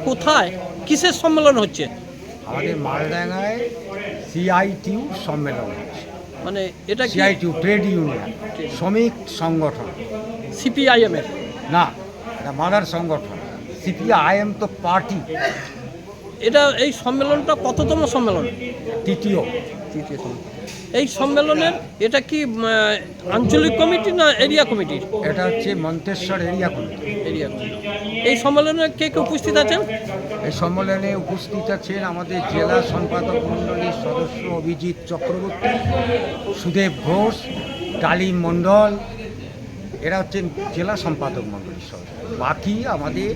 কোথায় কিসের সম্মেলন হচ্ছে? আমাদের মালডাঙ্গায় সিআইটিউ সম্মেলন হচ্ছে। মানে এটা কি সিআইটিউ ট্রেড ইউনিয়ন শ্রমিক সংগঠন, সিপিআইএম এর? না এটা মাদার সংগঠন। সিপিআইএম তো পার্টি। এটা এই সম্মেলনটা কততম সম্মেলন? তৃতীয়। তৃতীয় সম্মেলন। এই সম্মেলনের এটা কি আঞ্চলিক কমিটি না এরিয়া কমিটির? এটা হচ্ছে Manteswar area committee. Area committee. এই সম্মেলনে কে কে উপস্থিত আছেন? এই সম্মেলনে উপস্থিত আছেন আমাদের জেলা সম্পাদক মণ্ডলীর সদস্য অভিজিৎ চক্রবর্তী, সুদেব ঘোষ, ডালিম মণ্ডল, এরা হচ্ছেন জেলা সম্পাদক মণ্ডলীর সদস্য। বাকি আমাদের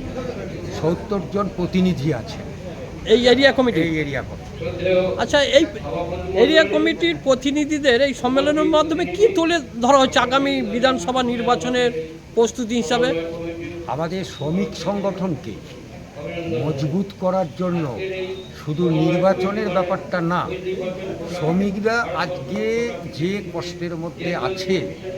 70 জন প্রতিনিধি আছে এই এরিয়া কমিটি। এই এরিয়া কমিটি। আচ্ছা, এই এরিয়া কমিটির প্রতিনিধিদের এই সম্মেলনের মাধ্যমে কি তুলে ধরা হচ্ছে আগামী বিধানসভা নির্বাচনের প্রস্তুতি হিসাবে? আমাদের শ্রমিক সংগঠনকে মজবুত করার জন্য শুধু নির্বাচনের ব্যাপারটা না, শ্রমিকরা আজকে যে কষ্টের মধ্যে আছে,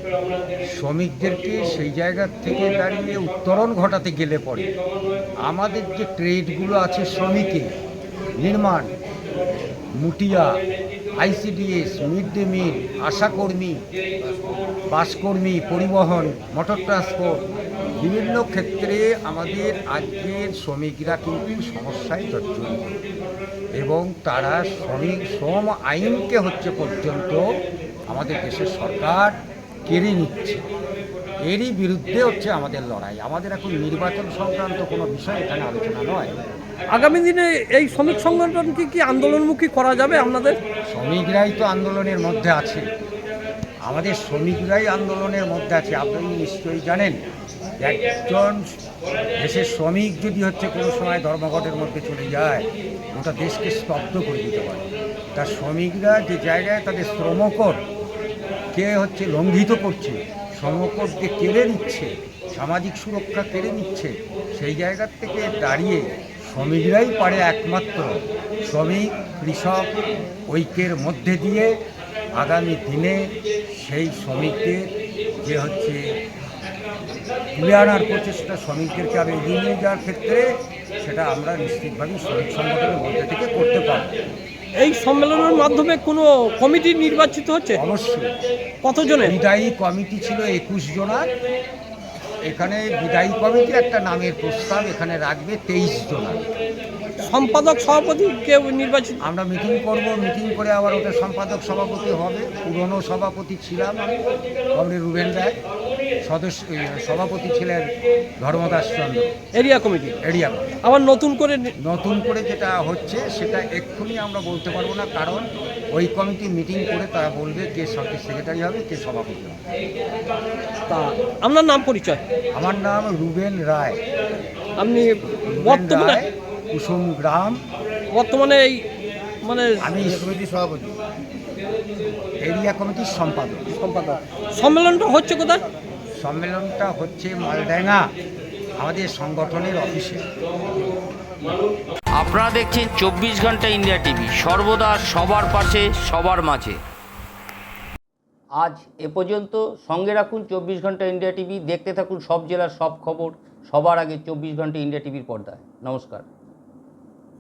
শ্রমিকদেরকে সেই জায়গা থেকে দাঁড়িয়ে উত্তরণ ঘটাতে গেলে পরে আমাদের যে ট্রেডগুলো আছে, শ্রমিকের নির্মাণ, মুটিয়া, আইসিডিএস, মিড ডে মিল, আশাকর্মী, বাসকর্মী, পরিবহন, মোটর ট্রান্সপোর্ট, বিভিন্ন ক্ষেত্রে আমাদের আজকের শ্রমিকরা কিন্তু সমস্যায় জর্জরিত এবং তারা শ্রম আইনকে হচ্ছে পর্যন্ত আমাদের দেশের সরকার কেড়ে নিচ্ছে। এরই বিরুদ্ধে হচ্ছে আমাদের লড়াই। আমাদের এখন নির্বাচন সংক্রান্ত কোনো বিষয় এখানে আলোচনা নয়। আগামী দিনে এই শ্রমিক সংগঠনকে কি আন্দোলনমুখী করা যাবে আপনাদের? শ্রমিকরাই তো আন্দোলনের মধ্যে আছে, আমাদের শ্রমিকরাই আন্দোলনের মধ্যে আছে। আপনি নিশ্চয়ই জানেন, একজন দেশের শ্রমিক যদি হচ্ছে কোনো সময় ধর্মঘটের মধ্যে চলে যায়, গোটা দেশকে স্তব্ধ করে দিতে পারে। তার শ্রমিকরা যে জায়গায় তাদের শ্রমকোড কে হচ্ছে লঙ্ঘিত করছে, শ্রমকোডকে কেড়ে নিচ্ছে, সামাজিক সুরক্ষা কেড়ে নিচ্ছে, সেই জায়গার থেকে দাঁড়িয়ে শ্রমিকরাই পারে একমাত্র শ্রমিক কৃষক ঐক্যের মধ্যে দিয়ে আগামী দিনে সেই শ্রমিকদের যে হচ্ছে তুলে আনার প্রচেষ্টা, শ্রমিকদেরকে আরও এগিয়ে নিয়ে যাওয়ার ক্ষেত্রে সেটা আমরা নিশ্চিতভাবেই শ্রমিক সংগঠনের মধ্যে থেকে করতে পারব। এই সম্মেলনের মাধ্যমে কোনো কমিটি নির্বাচিত হচ্ছে? অবশ্যই। কতজনের? বিদায়ী কমিটি ছিল 21 জনার। এখানে বিদায়ী কমিটির একটা নামের প্রস্তাব এখানে রাখবে 23 জনার। সম্পাদক সভাপতি কেউ নির্বাচিত? আমরা মিটিং করব, মিটিং করে আবার ওটা সম্পাদক সভাপতি হবে। পুরনো সভাপতি ছিলাম আমি, কমরেড রুবেন রায়, সভাপতি ছিলেন Dharmadas Chandra. Area committee. Area committee. আবার নতুন করে যেটা হচ্ছে সেটা এক্ষুনি আমরা বলতে পারবো না, কারণ ওই কমিটি মিটিং করে তারা বলবে কে সেক্রেটারি হবে, কে সভাপতি হবে। তা আপনার নাম পরিচয়? আমার নাম রুবেন রায়। আপনি বর্তমানে কুসুম গ্রাম, বর্তমানে এই মানে আমি সমিতি সভাপতি, এরিয়া কমিটির সম্পাদক। সম্মেলনটা হচ্ছে কোথায়? সম্মেলনটা হচ্ছে মালডাঙ্গা আমাদের সংগঠনের অফিসে। আপনারা দেখছেন 24 ঘন্টা ইন্ডিয়া টিভি, সর্বদা সবার পাশে সবার মাঝে। আজ এ পর্যন্ত। সঙ্গে রাখুন 24 ঘন্টা ইন্ডিয়া টিভি। দেখতে থাকুন সব জেলার সব খবর সবার আগে 24 ঘন্টা ইন্ডিয়া টিভির পর্দায়। নমস্কার।